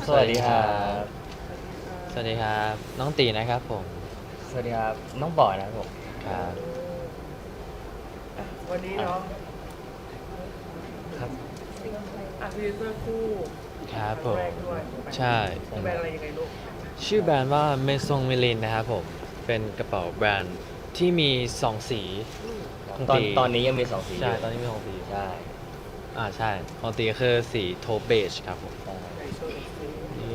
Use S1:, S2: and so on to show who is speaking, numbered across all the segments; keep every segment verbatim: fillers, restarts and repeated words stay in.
S1: สวัสดีครับ
S2: สวัสดีครับน้องตีนะครับผม
S1: สวัสดีครับ น้องบอยนะครับผม
S2: ครับ
S3: อ่ะวันนี้เนาะ
S1: ครับ
S3: อ่ะพรีเซนเตอร์คู่
S2: ครับผม
S3: งแรกด้วยถูกไหม
S2: ใช่
S3: แบรนด์อะไรยังไงลูก
S2: ชื่อแบรนด์ว่าเมซงมิลินนะครับผมเป็นกระเป๋าแบรนด์ที่มีสองสี
S3: อืม
S2: ของ
S1: ตอน
S2: ตี
S1: ตอนนี้ยังมีสองสี
S2: ใช่
S1: ยู่
S2: ตอนนี้มีสองสี
S1: ใช่
S2: อ่าใช่ของตีคือสีโทเบจครับผม
S1: ใช่
S3: ในโชว์อีกที
S2: นี่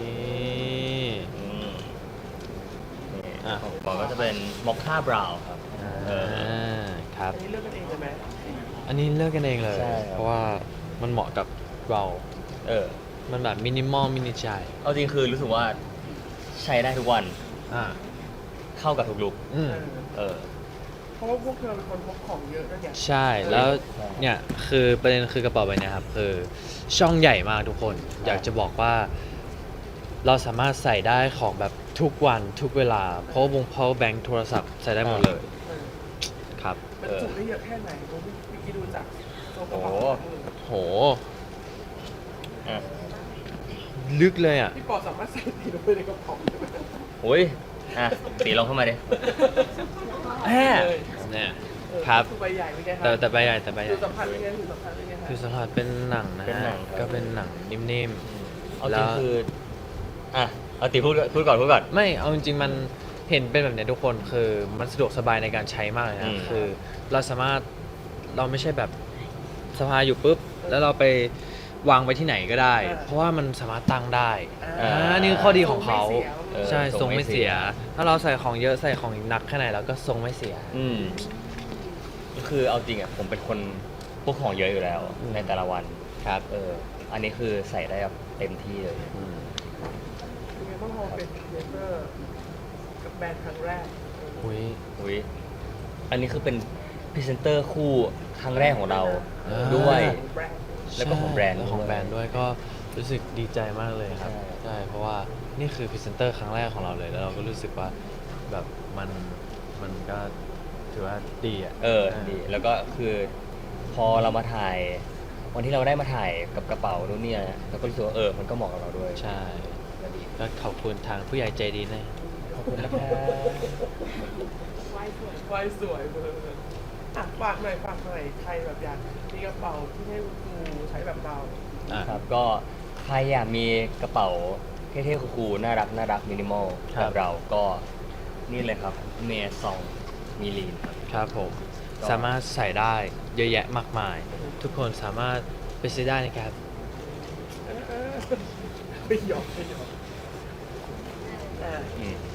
S1: อืมนี่
S2: อ่ะ
S1: ของบอยก็จะเป็นมอคค่าบราวน์ครับเออ
S2: อ่าครับ
S3: อันนี้เลือกกันเองเลยไหม
S2: อันนี้เลือกกันเองเลย
S1: ใช่ครับ
S2: เพราะว่ามันเหมาะกับเรา
S1: เออ
S2: มันแบบมินิมอลมินิใจ
S1: เอาจริงคือรู้สึกว่าใช้ได้ทุกวัน
S2: อ่า
S1: เข้ากับทุกลุค
S2: อืม
S3: เออ
S1: เออ
S3: เพราะว่าพวกเธอเป็นคนพกของเยอะด้วยเนี่ย
S2: ใช่แล้ว
S1: ใช่
S2: เนี่ยคือประเด็นคือกระเป๋าใบเนี้ยครับคือช่องใหญ่มากทุกคน อยากจะบอกว่า เราสามารถใส่ได้ของแบบทุกวันทุกเวลา เพราะวง power bank โทรศัพท์ใส่ได้หมดเลย
S3: เออ
S2: ครับ
S3: มันจุได้เยอะแค่ไหนผมเมื่อกี้ดูจากโซกระเป๋า
S1: โอ้
S2: โห
S1: อ่ะ
S2: ลึกเลยอ่ะ
S3: พี่ปอสามารถใส่ตีลงไปในกระเป๋าได้ไหม
S1: โอ้ยอ่ะตีลองเข้ามาดิ
S2: แหม
S3: เลย
S2: เนี่ย
S3: เออ
S2: ครับ
S3: คือใบใหญ่เป็นไงครั
S2: แต่แต่ใบใหญ่แต่ใบให
S3: คื
S2: ญ่
S3: อสัมผัสเป็นไงคือสัมผัสเป็นไงครับ
S2: คือสลัดเป็นหนังนะ
S1: เป็นหนั
S2: ฮะ
S1: งครับ
S2: ก็เป็นหนังนิ่ม
S1: เอาจริงคืออ่ะเอาตีพูดพูดก่อนพูดก่อน
S2: ๆ ไม่เอาจริงๆมันเห็นเป็นแบบเนี้ยทุกคนคือมันสะดวกสบายในการใช้มากเลย
S1: อื
S2: นะ
S1: ม
S2: คือเราสามารถเราไม่ใช่แบบสภายอยู่ปุ๊บ แล้วเราไปวางไว้ที่ไหนก็ได้ เพราะว่ามันสามารถตั้งได้
S3: อ่า
S2: อ่านี่คือข้อดีของเขา
S1: เออ
S2: ใช่
S1: ท
S2: ท
S1: ร
S2: รง ง
S1: ไม่
S2: ไม่
S1: เสี
S2: เสี
S1: ย
S2: ย ถ้าเราใส่ของเยอะใส่ของหนักแค่ไหนเราก็ทรงไม่เสีย
S1: อืมคือเอาจริงอ่ะผมเป็นคนพวกของเยอะอยู่แล้ว
S2: อืม
S1: ในแต่ละวัน
S2: ครับ
S1: เออ อันนี้คือใส่ได้แบบเต็มที่เลย
S2: อืม
S3: เป็นไงบ้างพอเป็นพรีเซนเตอร์กับแบรนด์ครั้งแรกเออ
S2: อุ้ย
S1: อุ้ยอันนี้คือเป็นพรีเซนเตอร์คู่ครั้งแรกของเรา
S2: อ่า
S1: ด้วย
S3: แบรนด์
S1: แล้วก็ของแบรนด์
S2: ใช่ล้วของ
S1: ด้วย
S2: แบรนด์ด้วยก็รู้สึกดีใจมากเลยครับ
S1: ใช่
S2: ใช่เพราะว่านี่คือพรีเซนเตอร์ครั้งแรกของเราเลย แล้วเราก็รู้สึกว่าแบบมันมันก็ถือว่าดีอ่ะ
S1: เออดี แล้วก็คือพอเรามาถ่าย วันที่เราได้มาถ่ายกับกระเป๋านู่นเนี่ยเราก็รู้สึกว่าเออ มันก็เหมาะกับเราด้วย
S2: ใช่ก็ขอบคุณทางผู้ใหญ่ใจดีนะ
S1: ขอบคุณนะครับ
S3: วายสวย วายสวยเบอร์อ่ะฝากหน่อยฝากหน่อยใครแบบอยากมีกระเป๋าที่ให้คุณครูใช้แบบเรา
S2: อ่ะ
S1: ครับก็ใครอยากมีกระเป๋าเท่ๆคูลๆน่ารักน่ารักมินิมอล
S2: ครั
S1: แบบ บเราก็นี่เลยครับเมซองมิลีนครับ
S2: ครับผม
S1: ก็
S2: สามารถใส่ได้เยอะแยะมากมาย ทุกคนสามารถไปซื้อได้นะครับ
S3: เออเออไม่หยอกไม่หยอกอ่ะ
S1: อืม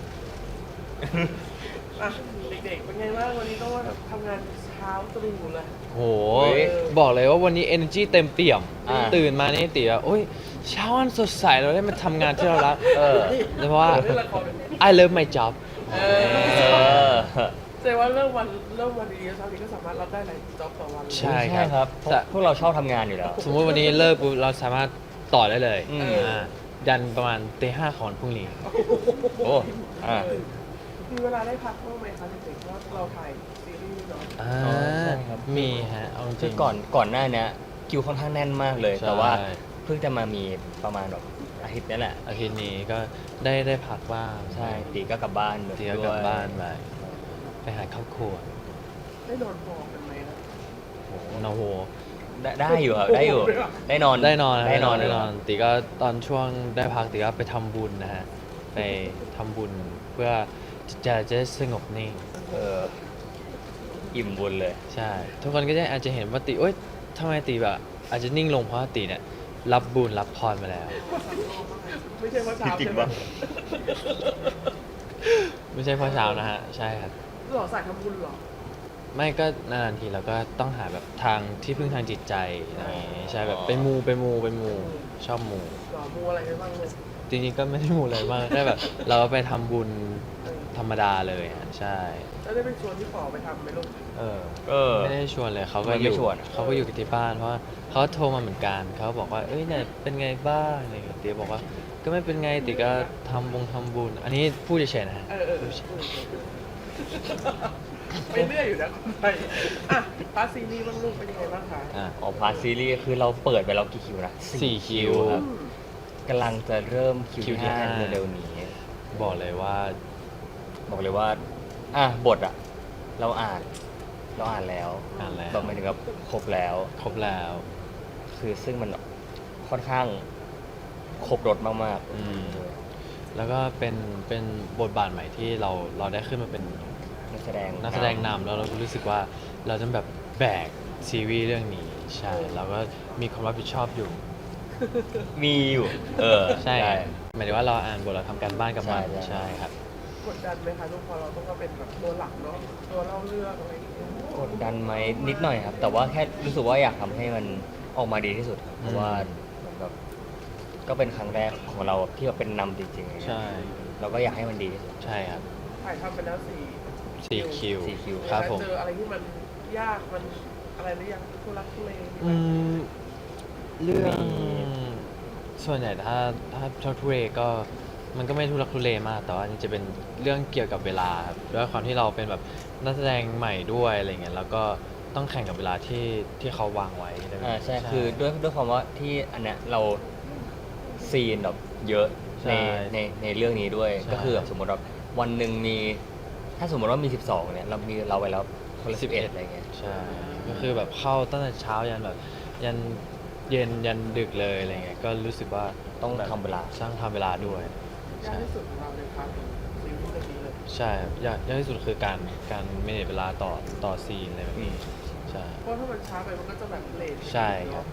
S3: อ่ะเด็กๆเป็นไงบ้างวันนี้ต้องมาแบบทำงานเช้าตรู่เลย
S2: โห
S1: เฮ้ย
S2: บอกเลยว่าวันนี้ energy เต็มเปี่ยม
S1: อ่า ตื่
S2: ตื่นมานี่ตีว่าโอ้ยเช้าวันสดใสเราได้มาทำงานที่เรารัก
S1: เออ
S2: เพราะว่า
S3: เล่นละครเป็น
S2: I love my job
S3: เอ
S1: เอ
S3: อ
S1: อ
S3: แสดงว่าเริ่มวันเริ่มวันดีๆเช้านี้ก็สามารถรับได้หลายจ็อบต่อวันเลย
S2: ใช่ ครับ
S1: เพราะพวกเราชอบทำงานอยู่แล้ว
S2: สมมติวันนี้เลิกปุ๊บเราสามารถต่อได้เลย
S1: อืม
S2: อ่ายันประมาณตีห้าของวันพรุ่งนี้
S1: โอ้อ่ะ
S3: เออมีเวลาได้พักบ้างไหมคะเด็กๆเพราะเราถ่ายซีรีส์เนาะ
S2: อ่า
S1: อ๋อใช่ครับ
S2: มีฮะเอาจ
S1: คื
S2: ริ
S1: อง ก่อนก่อนหน้าเนี้ยคิวค่อนข้างแน่นมากเลย
S2: ใช่
S1: แต่ว่าเพิ่งจะมามีประมาณแบบอาทิตย์นี้แหละ
S2: อาทิตย์นี้ก็ได้ได้พักบ้าง
S1: ใช่ตีก็กลับบ้าน
S2: ตีก็กลับ
S1: ด้วย
S2: บ้านไปไปหาครอบครัว
S3: ได้นอนพอกันไหมนะ
S2: โอ้โห
S1: ได้ได้อยู่ครับได้อยู่ได้นอน
S2: ได้นอน
S1: ได้นอน
S2: ได้
S1: ได้
S2: น
S1: น
S2: อ
S1: อน น
S2: ตีก็ตอนช่วงได้พักตีก็ไปทำบุญนะฮะ ไปทำบุญเพื่อจิตใจจะได้สงบนิ่ง
S1: เอออิ่มบุญเลย
S2: ใช่ ทุกคนก็จะอาจจะเห็นว่าตีเอ้ยทำไมตีแบบอาจจะนิ่งลงเพราะว่าตีเนี่ยรับบุญรับพรมาแล้ว
S3: ไม่ใช่ว่าเช้า
S1: จริง
S3: ใช่ไหม
S1: ปะ
S2: ไม่ใช่เพราะเช้านะฮะ ใช่ครับ
S3: หล่อสายทำบุญเหรอ
S2: ไม่ก็นานๆทีเราก็ต้องหาแบบทางที่พึ่งทางจิตใจอะไรอย่างงี้ใช่แบบไปมูไปมูไปมูชอบมู
S3: หล่อมูอะไรไปบ้างลูก
S2: จริงๆก็ไม่ได้มูอะไรมากแค่แบบ เราก็ไปทำบุญ
S3: เออ
S2: ธรรมดาเลยอ่ะใช่
S3: แล้วได้เป็นชวนพี่ปอไปทำไหมลูก
S2: เออ
S1: เออ
S2: ไม่ได้ชวนเลยเขาก็
S1: ไม่
S2: อ
S1: ไม่
S2: ยู่
S1: ชวน
S2: เขาก็อยู่ที่บ้านเพราะว่าเขาโทรมาเหมือนกันเขาบอกว่าเอ้ยเนี่ยเป็นไงบ้างอะไรอย่างเงี้ยตีบอกว่าก็ไม่เป็นไงตีก็ทำบงทำบุญ อันนี้พูดเฉยๆนะฮะ
S3: เออเออเออเออไปเรื่อยอยู่นะคนไทยอ่ะพาร์ทซีรีส์บ้างลูกเป็นยังไงบ้างคะ
S2: อ่ะ
S1: อ๋อพาร์ทซีรีส์คือเราเปิดไปแล้วกี่คิวนะ
S2: สี่คิว
S1: ครับ
S3: อืม
S1: กำลังจะเริ่มคิว
S2: คิวที่
S1: ที่ห้า
S2: ห้า
S1: เร็วๆนี้
S2: บอกเลยว่า
S1: บอกเลยว่า อ่ะบทอะเราอ่าน เราอ่านแล้ว
S2: อ่านแล้ว
S1: แบบหมายถึงแบบครบแล้ว
S2: ครบแล้ว
S1: คือซึ่งมันค่อนข้างครบรถมาก
S2: อืม แล้วก็เป็นเป็นบทบาทใหม่ที่เราเราได้ขึ้นมาเป็น
S1: ๆนักแสดง
S2: นักแสดงนำแล้วเราก็รู้สึกว่าเราจะแบบแบกซีรีส์เรื่องนี้ใช่เราก็มีความรับผิดชอบอยู่
S1: มีอยู่ เออ
S2: ใช่หมายถึงว่าเราอ่านบทเราทำการบ้านกับมัน
S1: ใช่ใช่
S2: ใช่ครับ
S3: กดดันไหมคะทุกคนเราต้องมาเป็นแบบตัวหลักเนาะตัวเล่าเรื่องอะไรอย่างเงี้ย
S1: กดดันไหมนิดหน่อยครับ แต่ว่าแค่รู้สึกว่าอยากทำให้มันออกมาดีที่สุดครับเพราะว่ามันแบบก็เป็นครั้งแรกของเราที่แบบเป็นนำจริงๆ
S2: ใช่
S1: เราก็อยากให้มันดีที่สุด
S2: ใช่ครับ
S3: ถ่ายทำไปแล้วสี่
S2: สี่คิว
S1: สี่คิว
S2: ครับผม
S3: เจออะไรที่มันยากมันอะไรหรือยังทุลักทุเลมีไหม
S2: อืมเรื่องส่วนใหญ่ถ้าถ้าชอบทุเรก็มันก็ไม่ทุรักทุเลมาก แต่ว่านี่จะเป็นเรื่องเกี่ยวกับเวลาครับด้วยความที่เราเป็นแบบนักแสดงใหม่ด้วยอะไรเงี้ยแล้วก็ต้องแข่งกับเวลาที่ที่เขาวางไว้อะไรแบบ
S1: อ่า
S2: นี้
S1: ใช่คือด้วยด้วยความว่าที่อันเนี้ยเราซีนแบบเยอะ
S2: ใช่
S1: ในในในเรื่องนี้ด้วย
S2: ใช่
S1: ก็คือแบบสมมติว่าวันหนึ่งมี ถ้าสมมติว่ามีสิบสองเนี่ยเรามีเราไปแล้วคนละสิบเอ็ดอะไรเงี้ย
S2: ใช่ ก็คือแบบเข้าตั้งแต่เช้ายันแบบ ยันเย็นยันดึกเลยอะไรเงี้ย ก็รู้สึกว่า
S1: ต้อง
S2: แบบ
S1: ทำเวลา
S2: สร้างทำเวลาด้วย
S3: ยาก
S2: ใช่
S3: ที่สุดของเราในพาร์ทซีรีส์เรื่องนี้เลย
S2: ใช่ครับยากยากที่สุดคือการการเมเนจเวลาต่อต่อซีนอะไรแบบนี้ใช่
S3: เพราะถ้ามันช้าไปมันก็จะแบบเลท
S2: ใช่ครับ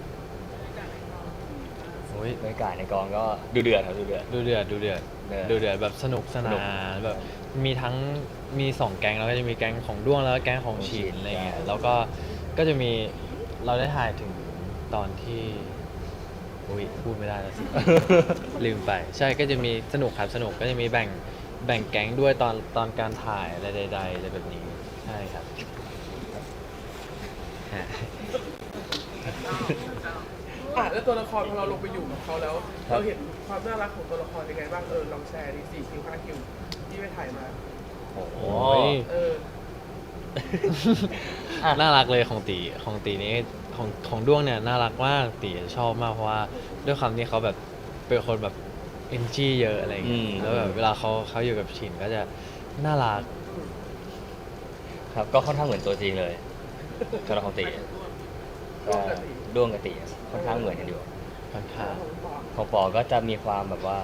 S2: โอ้ย
S1: บรรยากาศในกองก็ดูเดือดครับดูเดือด
S2: ดูเดือดดูเดือด
S1: เดือด
S2: ดูเดือดแบบสนุกส
S1: สนุ
S2: นาก นแบบมีทั้งมีสองแก๊งแล้วก็จะมีแก๊งของด้วงแล้วก็แก๊งของฉีนอะไรเงี้ย
S1: ใช่
S2: แล้วก็ก็จะมีเราได้ถ่ายถึงตอนที่อุ้ยพูดไม่ได้แล้วสิ ลืมไป ใช่ก็จะมีสนุกครับสนุกก็จะมีแบ่งแบ่งแก๊งด้วยตอนตอนการถ่ายอะไรใดๆอะไรแบบนี้ใช่ครับฮะ
S3: อ่ะแล้วตัวละครพอเราลงไปอยู่กับเขาแล้ว
S1: ครับ
S3: เราเห็นความน่ารักของตัวละครยังไงบ้างเออลองแชร์ดิสี่คิวห้าคิวที่ไปถ่ายมา
S1: โอ้โห
S2: โอ้ย
S3: เออ
S1: อ่ะ
S2: น่ารักเลยของตีของตีนี้ของของด้วงเนี่ยน่ารักมากตีชอบมากเพราะว่าด้วยความที่เขาแบบเป็นคนแบบเอนจีเยอะอะไรอย่างเงี้ย
S1: อืม
S2: แล้วแบบเวลาเขาเขาอยู่กับฉินก็จะน่ารัก
S1: ครับก็ค่อนข้างเหมือนตัวจริงเลยตัวละครตี
S3: ด้วงกับตี
S1: ด้วงกับตีค่อนข้างเหมือนกันอยู่
S2: ค่อนข้าง
S3: ของปอ
S1: ของปอก็จะมีความแบบว่า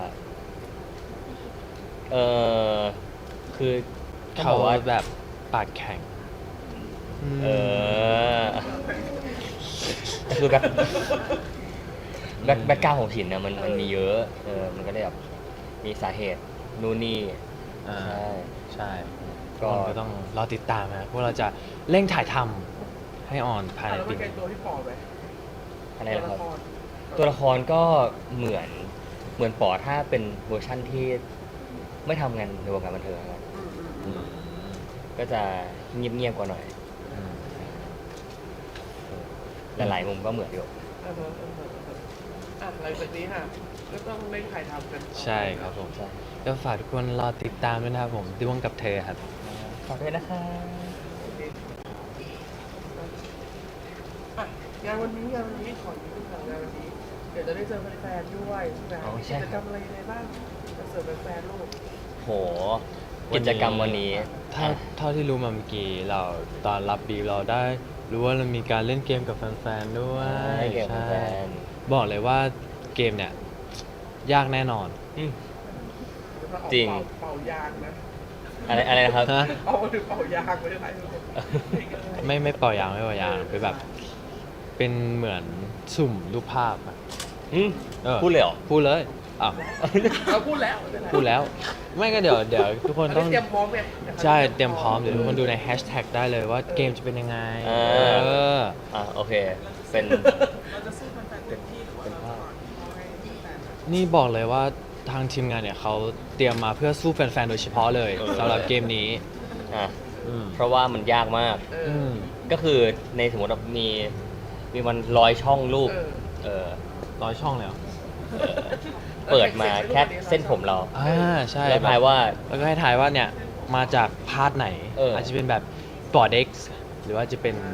S1: เออคือต้อง
S2: เขา
S1: บอกว่า
S2: แบบปากแข็ง
S1: เออคือแบบแบ็คแบ็คกราวด์ของฉินเนี่ยมันมันมีเยอะ เออ มันก็เลยแบบมีสาเหตุนู่นนี่
S2: อ่า
S1: ใช่
S2: ใช่
S1: ก็
S2: ก็ก็ต้องรอติดตามนะพวกเราจะเร่งถ่ายทำให้ออนภาย
S3: อ่ะ
S2: ใน
S3: แล้ว
S2: ปี
S3: มันไกล
S2: นี้
S3: ตัวที่ปอไหม
S1: อะไร
S3: ตัว
S1: นะค
S3: ละ
S1: รับ
S3: คร
S1: ตัวละครก็เหมือนเหมือนปอถ้าเป็นเวอร์ชั่นที่ไม่ทำงานในวงการบันเทิงครับ
S3: อืมอืม
S2: อื
S3: อืม
S2: ม
S1: ก็จะเงียบๆกว่าหน่อย
S2: อืม
S1: หลายๆมุมก็เหมือนอยู่
S3: อ่าฮะอ่าฮะอ่าฮะอ่ะหลังจากนี้ค่ะก็ต้องเร่งถ่ายทำกันต่อ
S2: ใช่ครับผม
S1: ใช่
S2: ก็ฝากทุกคนรอติดตามด้วยนะครับผมด้วงกับเธอครับ
S1: ขอบคุณนะคะ
S3: โอเคอ่ะงานวันนี้งานวันนี้ขอนิดนึงค่ะงานวันนี้ เดี๋ยวจะได้เจอแฟนๆด้วยใช่ไหม
S1: อ๋อใช่
S3: กิจกรรมอะไรยังไงบ้างจะเสิร์ฟแฟนๆลูก
S1: โห กิจกรรมวันนี้
S2: ถ้าเท่าที่รู้มาเมื่อกี้เราตอนรับบีเราได้รู้ว่าเรามีการเล่นเกมกับแฟนๆด้วย
S1: ใช่เกมกับแฟน
S2: บอกเลยว่าเกมเนี่ยยากแน่นอน
S1: อืม
S3: แล้วก็เอา
S1: จริง
S3: เป่าเป่ายางนะ
S1: อะไรอะไรนะครับ
S2: ฮะ
S3: เอามาถึงเป่ายางไว้ได้ไหม
S2: ไม่ไม่เป่ายางไม่เป่ายางเป็นแบบ เป็นเหมือนสุ่มรูปภาพอะ
S1: อืม
S2: ออ
S1: พูดเลยเหรอ
S2: พูดเลยอ้าว
S3: เราพูดแล้ว
S2: พูดแล้ว ไม่ก็เดี๋ยวเดี๋ยวทุกคน
S3: ต้
S2: ต้
S3: อ
S2: อง ง
S3: เตรียมพร้อมไง
S2: ใช่เตรียมพร้อมเดี๋ยวทุกคนดูในแฮชแท็กได้เลยว่าเกมจะเป็นยังไง
S1: เออ
S2: เออ
S1: อ่ะโอเค เป็น
S3: เราจะสู้แฟนๆเต็มที่หรือว่า
S1: เป็น
S3: เรา
S1: ภาพ
S3: เอาให้แฟนๆ
S2: นี่บอกเลยว่าทางทีมงานเนี่ยเขาเตรียมมาเพื่อสู้แฟนๆโดยเฉพาะเลย
S1: เออ
S2: สำหรับเกมนี้
S1: อ่ะ
S2: อืม
S1: เพราะว่ามันยากมาก
S3: เอ
S2: อื
S3: อ
S2: ม
S1: ก็คือในสมมติว่ามีมีมันร้อยช่องรูป
S3: เออ
S1: เออ
S2: ร้อยช่องเลยเหรอ
S1: เออ เปิดมาแค่เส้นผมเรา
S2: อ่าใช่
S1: แล้วทายว่า
S2: แล้วก็ให้ทายว่าเนี่ยมาจากพาร์ทไหน
S1: เอออ
S2: อาจจะเป็นแบบบอร์ดเอ็กซ์หรือว่าจะเป็น
S1: ป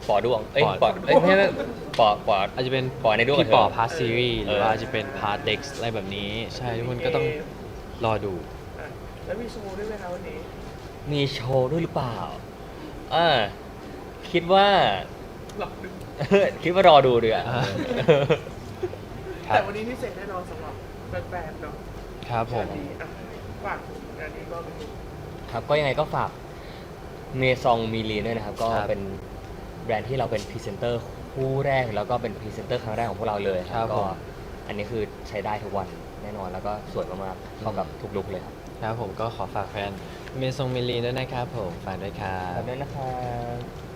S1: ปอด้วงเอ้ย
S2: ปอ
S1: ปอเอ้ยไม่ไม่ปอปอ
S2: อาจจะเป็น
S1: ปอในดวง
S2: พี่ปอ
S1: เธอ
S2: พาร์ทซีรีส์หรือ
S1: เออ
S2: ว่าจะเป็นพาร์ทเด็กอะไรแบบนี้ ใช่ทุกคนก็ต้องรอดู
S3: อ่ะแล้วมีโชว์ด้วยไหมคะวันนี้
S1: มีโชว์ด้วยหรือเปล่าอ่าคิดว่า
S3: หลอกดึง
S1: คิดว่ารอดูดีกว่า
S2: อ่า ครั
S3: แต่
S2: บ
S3: วันนี้พิเศษแน่นอนสำหรับแฟนๆเนาะ
S2: ครับผม
S3: งานนี้อ่ะฝากถึงงานนี้ก็เป็น
S1: ครับก็ยังไงก็ฝากเมซองมีลีด้วยนะครับ ก็
S2: ครับ
S1: เป็นแบรนด์ที่เราเป็นพรีเซนเตอร์คู่แรกแล้วก็เป็นพรีเซนเตอร์ครั้งแรกของพวกเราเลยค
S2: ครั
S1: รับบ ก็
S2: ผม
S1: อันนี้คือใช้ได้ทุกวันแน่นอนแล้วก็สวยมากๆเข้ากับทุกลุคเลยครับ
S2: ครับผมก็ขอฝากแฟนเมซงมิลลีด้วยนะครับผมฝากด้วยครั
S1: ขอบบ คุณนะครับ